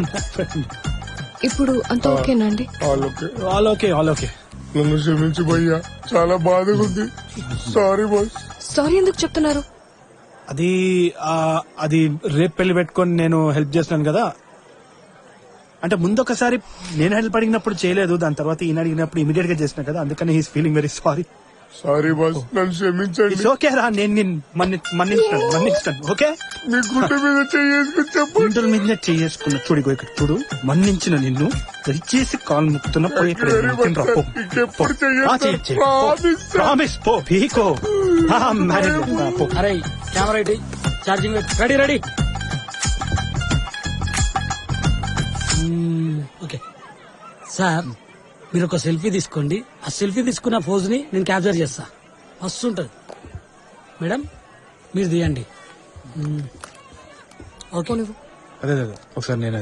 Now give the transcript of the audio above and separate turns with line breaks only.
ఇప్పుడు అంత ఓకేనా అండి?
All okay.
నన్ను క్షమించు భయ్యా, చాలా బాధగా ఉంది. Sorry boss.
సారీ ఎందుకు చెప్తున్నారు?
అది రేపు పెళ్లి పెట్టుకొని నేను హెల్ప్ చేస్తున్నాను కదా. అంటే ముందొకసారి నేను హెల్ప్ అడిగినప్పుడు చేయలేదు, దాని తర్వాత ఈయన అడిగినప్పుడు ఇమీడియట్ గా చేసిన కదా, అందుకని he's feeling very sorry.
Sorry boss, నన్ను క్షమించండి.
ఇట్స్ ఓకే రా, నేను మన్నిస్తాను. ఓకే,
మీ గుండె మీద చేసుకుని చెప్పండి.
గుండెల మీద చేసుకున్న చూడు, ఇక్కడ చూడు, మన్నించిన నిన్ను దయచేసి కాల్ ముక్కుతున్న పోయి ఇక్కడ
ఇంకెప్పుడు చెయ్యను.
ప్రామిస్ పో పీకో.
అరే camera ready, charging ready. Okay sir, మీరు ఒక సెల్ఫీ తీసుకోండి. ఆ సెల్ఫీ తీసుకున్న పోజ్ ని నేను క్యాప్చర్ చేస్తా. మస్తు ఉంటది మేడం, మీరు తీయండి. ఓకే
అదే ఒకసారి నేను